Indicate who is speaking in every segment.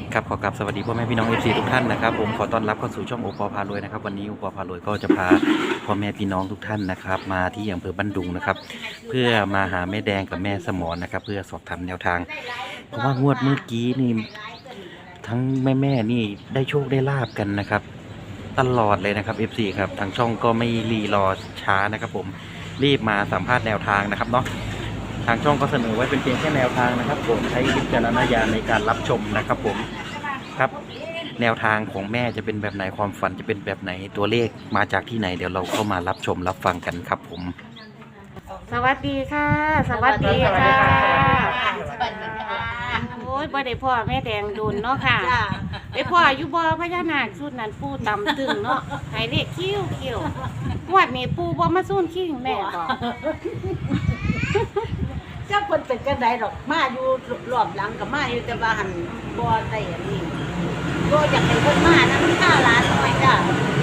Speaker 1: ครับขอกราบสวัสดีพ่อแม่พี่น้อง FC ทุกท่านนะครับผมขอต้อนรับเข้าสู่ช่องโอปอพารวยนะครับวันนี้โอปอพารวยก็จะพาพ่อแม่พี่น้องทุกท่านนะครับมาที่อำเภอบ้านดุงนะครับเพื่อมาหาแม่แดงกับแม่สมรนะครับเพื่อสอบถามแนวทางเพราะว่างวดเมื่อกี้นี่ทั้งแม่นี่ได้โชคได้ลาบกันนะครับตลอดเลยนะครับ FC ครับทางช่องก็ไม่รีรอช้านะครับผมรีบมาสัมภาษณ์แนวทางนะครับเนาะทางช่องก็เสนอไว้เป็นเพียงแค่แนวทางนะครับผมใช้วิจารณญาณในการรับชมนะครับผมครับแนวทางของแม่จะเป็นแบบไหนความฝันจะเป็นแบบไหนตัวเลขมาจากที่ไหนเดี๋ยวเราเข้ามารับชมรับฟังกันครับผม
Speaker 2: สวัสดีค่ะ สวัสดีค่ะ
Speaker 3: สวัสดีค่ะ
Speaker 2: โอ้ยบ่ได้พ่อแม่แดงโดนเนาะค่ะได้พ่ออยู่บ่พญานาคชุดนั้นปูต่ำตึงเนาะให้เลขคิ้วงวดนี้ปูบ่มาสู้คิ้วแม่บ่
Speaker 3: เจ้าคนเป็นกันไดดอกมาอยู่รอบหลังกับมาอยู่แต่ว่าหันบ่ได้อันนี้ก็อยากให้เพิ่นมานะมันค่าร้านหน่อยจ้ะ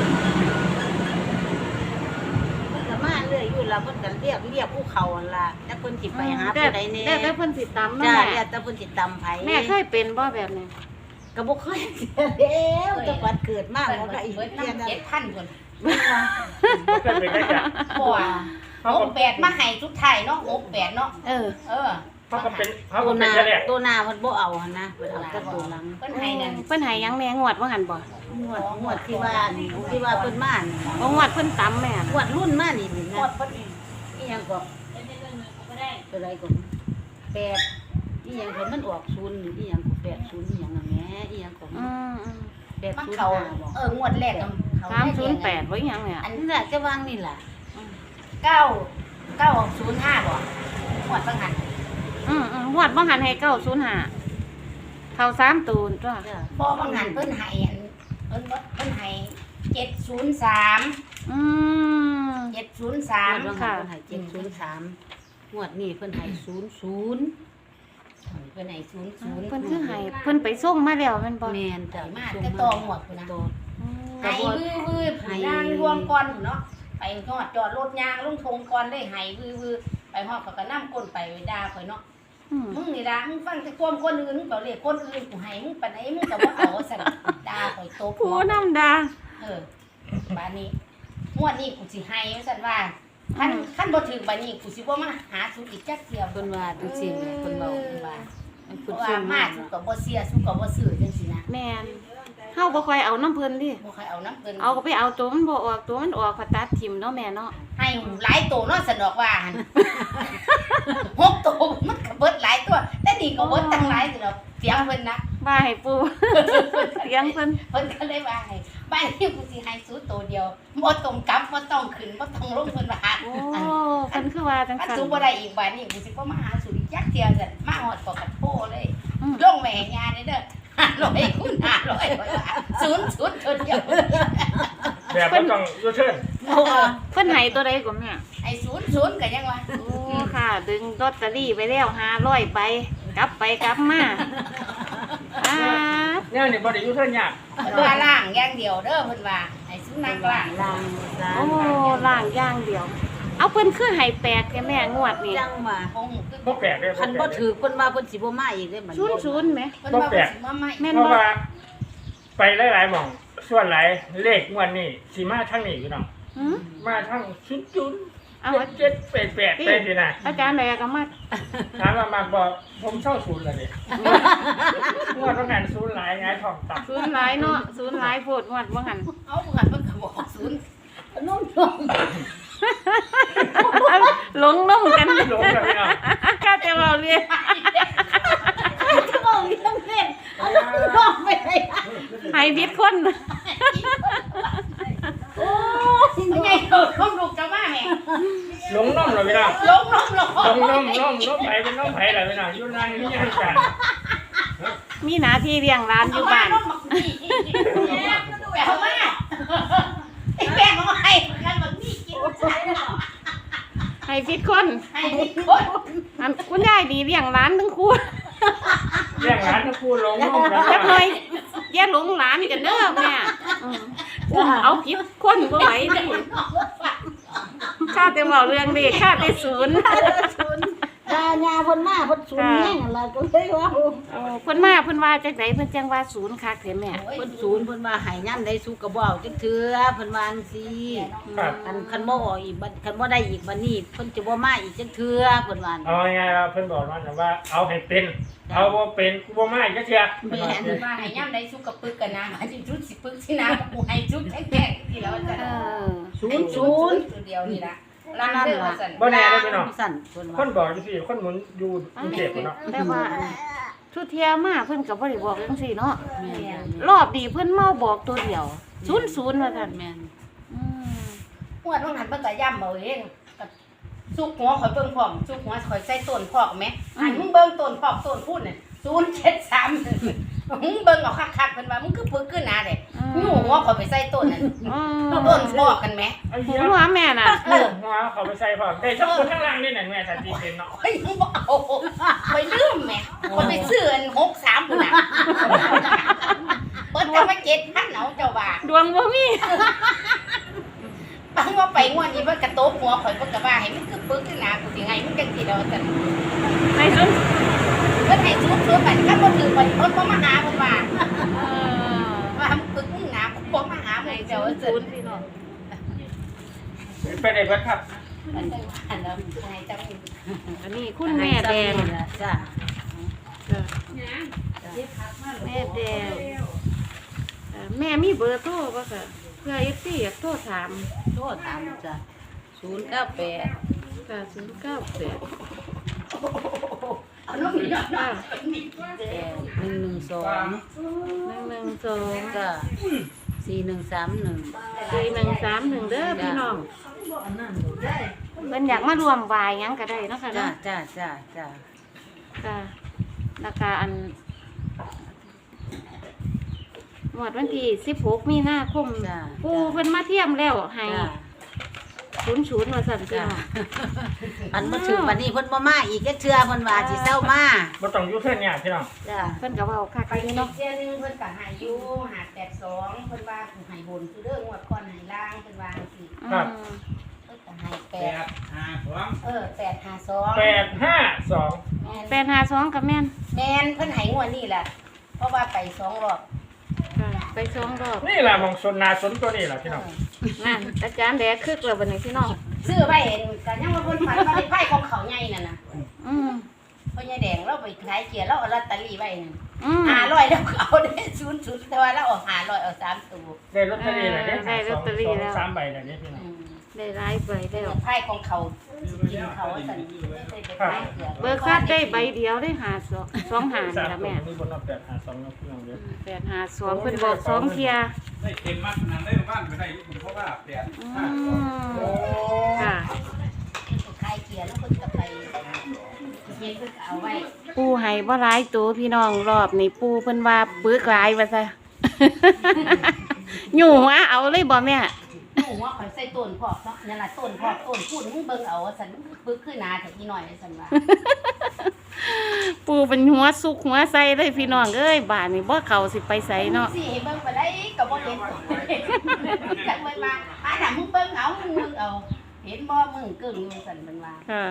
Speaker 3: เพิ่นก็มาเรื่อยอยู่แล้วเพิ่นก็เรียกผู้เขาหั่นล่ะแต่เพิ่นสิไปหาผู้ใดแน่
Speaker 2: แต่เพิ่นสิตำเนาะ
Speaker 3: จ้า
Speaker 2: แม่
Speaker 3: เรียกแต่เพิ่นสิตำไผ
Speaker 2: แม่เคยเป็นบ่แบบนี้
Speaker 3: ก็บ่เคยเสียแล้วแต่ปัดเกิดมามันก็อีกเพียงนั้น
Speaker 4: 7,000 คน
Speaker 5: บ่เคยเป็นได้จ้ะ
Speaker 4: บ่68มาให้สุดท้ายเนาะ68เนาะ
Speaker 2: เออ
Speaker 5: เขาก็เป็นเขา
Speaker 3: ตั
Speaker 5: ก็
Speaker 3: วห
Speaker 5: เป็น
Speaker 3: น้า
Speaker 5: แค่แรก
Speaker 3: ตัวหน้าเพิ่นบ่เอาหั่นนะเพิ่นเอาแต่ตัวหลัง
Speaker 4: เพิ่นให้นั่น
Speaker 2: เพิ่นให้หยังแม่งวดว่าหั่นบ่
Speaker 3: งวดที่ว่านี่ที่ว่าเพิ่นมานี่
Speaker 2: บ่งวดเพิ่นตำแม่
Speaker 3: ง
Speaker 2: น่ะ
Speaker 3: วดรุ่นมานี่นี่
Speaker 4: หม
Speaker 3: นะ
Speaker 4: ดเพิ่น
Speaker 3: อีหยังก็เป็นไรก็8อีหยังเพิ่นมันออก0นี่อีหยังก็80อีหยังน่ะแหม่อีหยังก็
Speaker 2: อืม
Speaker 4: มันเข้า
Speaker 3: 805บ่
Speaker 4: งวดแรกก็เขา
Speaker 2: 308บ่อีหยังเนี่ย
Speaker 4: อัน
Speaker 3: นี่แหละจะวางนี่ล่ะ
Speaker 4: 9 905บ่งวดบางหัน
Speaker 2: งวดบ่หันให้905เข้า3ตูนจ้ะ
Speaker 3: จ้ะ
Speaker 4: บ่บางหันเพิ่นให้อันเพิ่นให้703
Speaker 2: อืม
Speaker 4: 703
Speaker 3: งวดว่าเพิ่นให้703งวดนี้เพิ่นให้00
Speaker 4: เพิ่นให้00
Speaker 2: เพิ่นคือให้เพิ่นไปส่งมาแล้วแม่นบ่
Speaker 3: แม่นจ้ะ
Speaker 4: มาแต่ต่อหมวกพุ่นนะ
Speaker 3: ตัว
Speaker 4: ให้วื้อๆให้ยางรวมก่อนพุ่นเนาะไปฮอดจอดรถยางลงทงก่อนได้ให้วื้อๆไปฮอดเขาก็นำก้นไปด่าข่อยเนาะ
Speaker 2: อืม
Speaker 4: มึงนี่ด่ามึงฟังแต่ความคนอื่นมึงเปล่าเรียกคนอื่นกูให้มึงปานไหนมึงก็บ่เอาสั่นด่าข่อยโต
Speaker 2: ผู้นำดา
Speaker 4: บาดนี้งวดนี้กูสิให้ว่าซั่นว่าคันบ่ถึงบาดนี้กูสิบ่มาหาสูอีกจักเที่ยว
Speaker 3: เพิ่นว่าจังซี่แหม่เพิ่นเว้า
Speaker 4: เพิ่นว่า
Speaker 3: เพิ่น
Speaker 4: เพ
Speaker 3: พูด
Speaker 4: ราะว่า
Speaker 3: ซื่อ
Speaker 4: มา
Speaker 3: มา
Speaker 4: สูก็บ่เสียสูก็บ่ซื้อจังซี่นะ
Speaker 2: แม่นเฮาบ่ค่อยเอาน้ำเพิ่นดิ
Speaker 4: บ่ค่อยเอาน้ำเพิ่น
Speaker 2: เอาก็ไปเอาตัวมันบ่ออกตัวมันออกก็ตัดทิ่มเนาะแม่เนาะ
Speaker 4: ให้หลายโตเนาะสนอกว่าหั่น 6โตมันก็เบิดหลายตัว แต่นี่ก็เบิดตั้งหลายสิดอกเสียงเพิ่นนะ
Speaker 2: ว่าให้ปู่ เสียงเพิ่น
Speaker 4: เพิ่นก็เลยว่าให้บ้านนี้กูสิให้สูโตเดียวบ่ต้องกลับบ่ต้องขึ้นบ่ต้องลงเพิ่นว่า
Speaker 2: โอ้เพิ่นคือว่าจัง
Speaker 4: อัน
Speaker 2: ซั่น
Speaker 4: สูบ่ได้อีกบ้านนี้กูสิบ่มาหาสูอีกจักเที่ยวซั่นมาฮอดปอกกัดโพเลย
Speaker 2: อืม
Speaker 4: ลงแม่ยาเด้อ500คูณ5000เท่าเดียว
Speaker 5: แบบว่าต้องยูเทิร์น
Speaker 2: โอ้เพิ่นให้ตัวใดก่อนแม่
Speaker 4: ไอ้00ก็ยังว่า
Speaker 2: โอ้ค่ะ ดึงลอตเตอรี่ไปแล้ว500ใบกลับไปกลับมาอ่า
Speaker 5: เนี่ยนี่บอดี้ยูเทิร์นยาก
Speaker 4: เพิ่นว่าล่างอย่างเดียวเด้อเพิ่นว่าให้สุนัขล่าง
Speaker 3: ล่างล่าง
Speaker 2: โอ้ล่างอย่างเดียว เอาเพิ่นคือให้แปลกแค่แม่งวดนี่
Speaker 3: จังว่า
Speaker 4: คงคือ
Speaker 5: บ่แปลกเลย
Speaker 3: คันบ่ถือเพิ่นว่าเพิ่นสิบ่มาอีกเด้มัน
Speaker 2: 00แหม
Speaker 4: เพิ่นว่าเพิ่นสิมาใหม่
Speaker 2: แม่น
Speaker 5: เพราะ
Speaker 2: บ่
Speaker 5: ว่าไปหลายๆหม่องส่วนหลายเลขงวดนี้สิมาทางนี้พี่น้อง
Speaker 2: หือ
Speaker 5: มาทาง00
Speaker 2: เอา
Speaker 5: 7 8 8ไปสินะ
Speaker 2: อาจารย์แหลก็มา
Speaker 5: ถามว่ามาบอกผมเช่าศูนย์เลยงวดต้องการศูนย์หลายไงทองตับ
Speaker 2: ศูนย์หลายเนาะศูนย์หลายโพดงวดว่าหั่น
Speaker 4: เอาเงินมันก็บอก0นุ่ม
Speaker 2: หลงน้ำกัน
Speaker 5: หลงกันพี่น้อง
Speaker 2: ข้าแต่เราเรียน
Speaker 4: ๆจะบอกเรื่องเล่นเอาน้องไม่ได้
Speaker 2: ให้ผิดคน
Speaker 4: โอ้ยยังไงเออน้องลูกจะมาแม่
Speaker 5: หลงน้องเลยพี่น้อง
Speaker 4: ลงน้องลง
Speaker 5: หลงน้องไผเป็นน้องไผแหละพี่น้องอยู่นั่งนี่ยังกัน
Speaker 2: มีหน้าที่เลี้ยงร้านอยู่บ้าน
Speaker 4: แปลว่าไอ้แป้งเอาให้กันแบบนี้กินใช้แล้ว
Speaker 2: ให้ผิดคน
Speaker 4: ให้คน
Speaker 2: อันคุณยายดีเลี้ยงร้านทั้งคู่
Speaker 5: เรียกร้านทั้งคู่หลงน้องกัน
Speaker 2: จักหน่อยอย่าหลงร้านกันเด้อแม่อืมเอาผิดคนบ่ไหวดิข้าแต่เว้าเรื่องนี้ข้าแต่ศูนย์
Speaker 4: โอ้
Speaker 3: ทายาเพิ่นมาเพิ่นสูญแห้งล่ะก็เลยว่า
Speaker 2: โอ้เพิ่นมาเพิ่นว่าจังไดเพิ่นจังว่าศูนย์คักแท้แม่
Speaker 3: เพิ่นสูญเพิ่นว่าให้ยามใดสุกก็บ่เอาจักเทื่อเพิ่นว่าจังซี่
Speaker 5: ครับ
Speaker 3: คันบ่ออกอีกบัดคันบ่ได้อีกบัดนี้เพิ่นจะบ่มาอีกจักเทื่อเพิ่นว่า
Speaker 5: เอาไงล่ะเพิ่นบอกว่าเอาให้เป็น เอาบ่เป็นกูบ่มาอีกจักเทื่อ
Speaker 3: แม่น
Speaker 4: ว่าให้ย่ำได้สุกกระปึกกันนะมาจิชุดสิปึกสินะกูให้ชุดแข็งๆที่แล้วจะ
Speaker 2: เออ
Speaker 3: ศูนย์
Speaker 4: ตัวเดียวนี่ละร้านเด้อว่าซั่น
Speaker 5: บ่แน่เด้อพี่น้อง
Speaker 3: สั่นเพิ่น
Speaker 5: ค
Speaker 3: ว่าน
Speaker 5: บอกจังซี่คนหมุนอยู่กรุงเทพเนาะ
Speaker 2: แต่ว่าทุเทียมาเพิ่นก็บ่ได้บอกจังซี่เนาะ
Speaker 3: แม่น
Speaker 2: รอบดีเพิ่นเมาบอกตัวเดียว00ว่าซั่น
Speaker 3: แม่น
Speaker 2: อืม
Speaker 4: หัวต้องหันเพิ่นก็ย่ำเอาเองก็สุกหัวข่อยเบิ่งพร้อมสุกหัวข่อยใส่ต้นพอกแม่อันมึงเบิ่งต้นพอกต้นพูดน่ะ073มึงเบิ่งเอาคักๆเพิ่นว่ามึงคือปึกขึ้นหน้าเด้ยู่หัวข่อยไปใส่ต้นนั่น
Speaker 2: อืม
Speaker 4: ต้นพอกกันแม่
Speaker 5: ไอ้
Speaker 2: หั
Speaker 5: เหี้ยว
Speaker 2: แม่น่ะ
Speaker 5: หัวเขาไปใส่พร้อมได้สักคนข้างล่างนี่น่ะแม่สาธิตเป็นเนาะ
Speaker 4: ข่อยยังบ่เอาข่อยลืมแม่ข่อยไปซื้ออัน63พุ่นน่ะเปิดแต่ว่า7,000เอาเจ้าว่า
Speaker 2: ดวงบ่มี
Speaker 4: บางว่าไปงวดนี้เพิ่นกระโตบหัวข่อยเพิ่นก็ว่าให้มันคือปึกขึ้นหน้ากูสิให้มึงจังซี่ดอกซั่น
Speaker 2: ให้ซุน
Speaker 4: เพิ่นให้ซุบๆไปคันบ่ถือไปเพิ่นบ่มาหาเพิ่นว่า
Speaker 2: เออ
Speaker 4: ว่ามึงปึกมึงหน้ากูบ่มาหามึงเจ้าว่าซั่น
Speaker 2: 00พี่น้อง
Speaker 5: ไปได้เบิดครับ
Speaker 4: มันจังว่าอันนั้นให้จัง
Speaker 2: อันนี้คุณแม่แดง
Speaker 3: จ้ะ
Speaker 2: แม่แดงแม่มีเบอร์โทรป่ะค่ะเพื่อ FC อยากโทรถาม
Speaker 3: โทษตามจ้ะ098
Speaker 2: ค่ะ098
Speaker 4: เอาลงนี่เนาะ
Speaker 2: ค่ะ
Speaker 3: 112
Speaker 2: 112
Speaker 3: จ้ะ4131
Speaker 2: 4131เด้อพี่น้องเพิ่นอยากมารวมวายหยังก็ได้เนาะค่ะ
Speaker 3: จ้ะ
Speaker 2: เนาะ
Speaker 3: จ้ะจ้ะจ้ะ
Speaker 2: ค่ะราคาอันหมดวันที่16มีนาคม
Speaker 3: จ้ะ
Speaker 2: ปูเพิ่นมาเทียมแล้วให้
Speaker 3: จ้ะ
Speaker 2: 00ว่าซั่นพี่
Speaker 3: จ้ะ
Speaker 2: น้อง
Speaker 3: อันบ่ถึงวันนี้เพิ่นบ่มาอีกจักเทื่อเพิ่นว่าสิเซามา
Speaker 5: บ่ต้องอยู่เทื่อนเนี่ยพี่น้อง
Speaker 3: จ้ะ
Speaker 2: เพิ่นก็เว้าคัก
Speaker 4: ไป
Speaker 2: อยู่
Speaker 4: เนาะ
Speaker 2: เนาะ
Speaker 4: เที่ยนึงเพิ่นก็ให้อยู่582เพิ่นว่ากูให้บนคือเด้องวดก่อนให้ล่างเพิ่นว่าจังซี่
Speaker 2: อืม
Speaker 4: เพิ่นก็ให้852
Speaker 5: 852
Speaker 2: 852กับแม่น
Speaker 4: แม่นเพิ่นให้งวดนี้แหละเพราะว่าไป2รอบ
Speaker 2: ค่ะไป2รอบ
Speaker 5: นี่ล่ะหมองสนนาสนตัวนี้ล่ะพี่น้อง
Speaker 2: นั่นอาจารย์แดกคึกแล้วบัดนี้พี่น้อง
Speaker 4: ซื้อไว้เห็นก็ยังว่าเพิ่นฝันว่าได้ไผของเขาใหญ่นั่นน่ะ
Speaker 2: อืม
Speaker 4: พ่อใหญ่แดงเราไปขายเกียร์เราเอาลอตเตอรี่ไว้นั่น
Speaker 2: อืม
Speaker 4: 500แล้วก็เอาได้00แต่ว่าเราเอา500เอา3ตัว
Speaker 5: ได้ลอตเตอรี่แล้วเนี่ย
Speaker 2: ได้ลอตเตอรี่แล้ว
Speaker 5: 3ใบแล้วเนี่ยพี่น้อง
Speaker 2: ได้หลายใบแล้ว
Speaker 4: ไพ่ของเขากินเขาสั่นไม่ได้ไปขายเกียร์
Speaker 2: เบอร์คัดได้ใบเดียวได้2หา
Speaker 5: สา
Speaker 2: นี่
Speaker 5: ม
Speaker 2: ล่ะ
Speaker 5: ตัว
Speaker 2: แม่
Speaker 5: นี่บนเอา852แล้วพี่น้องเด้อ
Speaker 2: 852เพิ่นบอก2เที่ย
Speaker 6: ได้เต็มมากขนาดได้บ้านไปได้เพราะว่าแปด
Speaker 2: อื
Speaker 6: ห้าม
Speaker 2: ค่ะ
Speaker 4: ขายเกียร์แล้วคนก็ไปเย็นก็เอาไว้
Speaker 2: ปูให้บ่หลายตัวพี่น้องรอบนี้ปูเพิ่นว่าปึกหลายว่าซะ อยู่หัวเอาเลยบ่แม่
Speaker 4: หนูว่าเขาใส่ต้นพอกเนาะนั่นล่ะต้นพอกต้นพูดมึงเบิ่งเอาสั่นมึงปึกขึ้นหนาแต่อีหน่อยสั่นว่า
Speaker 2: ปูเป็นหัวสุกหัวใส่เลยพี่น้องเอ้ยบ้านนี้บ่เข้าสิไปไสเนาะ
Speaker 4: สิให้เบิ่งไปได้ก็บ่เห็นจักไว้มาน่ะมึงเบิ่งเอามึงเบิ่งเอา เห็นบ่มึงกึ่งอยู่สั่นมันว่า
Speaker 2: ค่ะ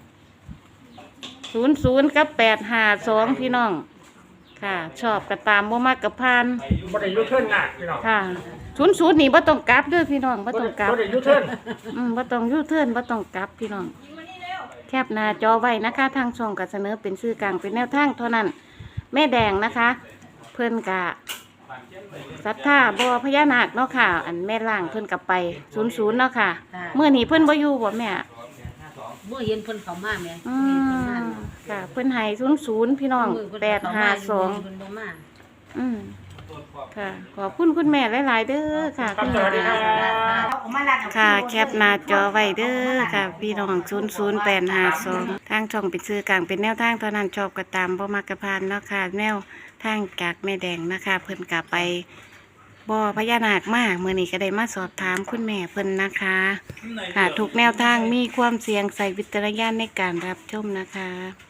Speaker 2: 00กับ852พี่น้อง ค่ะ ชอบก็ตามบ่มักก็ผ่าน
Speaker 5: บ่ได้อยู่เทื่อนหนักพี่น้อง
Speaker 2: ค่ะ00นี่บ่ต้องกลับเด้อพี่น้องบ่ต้องกลับ
Speaker 5: บ่ได้อยู่เทื่อน
Speaker 2: บ่ต้องยูเทิร์นบ่ต้องกลับพี่น้องแคปหน้าจอไว้นะคะ ทางช่องก็เสนอเป็นชื่อกลางเป็นแนวทางเท่านั้น แม่แดงนะคะ เพิ่นกะศรัทธาบ่พญานาคเนาะค่ะ อันแม่ล่างเพิ่นกะไป00เนาะค่ะเมื่อนี้เพิ่นบ่อยู่บ่แม่
Speaker 3: บ่เห็นเพิ่นเข้ามาแม่
Speaker 2: อื
Speaker 3: เห็นเพิ่น
Speaker 2: ม
Speaker 3: มา
Speaker 2: ค่ะเพิ่นให้00พี่น้อง
Speaker 3: มืเพิ่นเข้ามาอยู่
Speaker 2: 852
Speaker 3: เพิ่นบ่มา
Speaker 2: อืมค่ะ ขอบคุณคุณแม่หลายๆเด้อค่ะ
Speaker 5: ครับ
Speaker 2: คุณ
Speaker 5: สวัสดี
Speaker 2: แม่
Speaker 5: ครับ
Speaker 4: เอามาลัดเอา
Speaker 2: ค่ะแคปหน้าจอไว้เด้อค่ะ พี่น้อง00852ทางช่องเป็นชื่อกลางเป็นแนวทางเท่านั้นชอบก็ตามบ่มักกะพานเนาะค่ะแนวทางจากแม่แดงนะคะ เพิ่นกะไปบ่อพญานาคมามื้อนี้ก็ได้มาสอบถามคุณแม่เพิ่นนะคะ ค่ะทุกแนวทางมีความเสี่ยงใส่วิจารณญาณในการรับชมนะคะ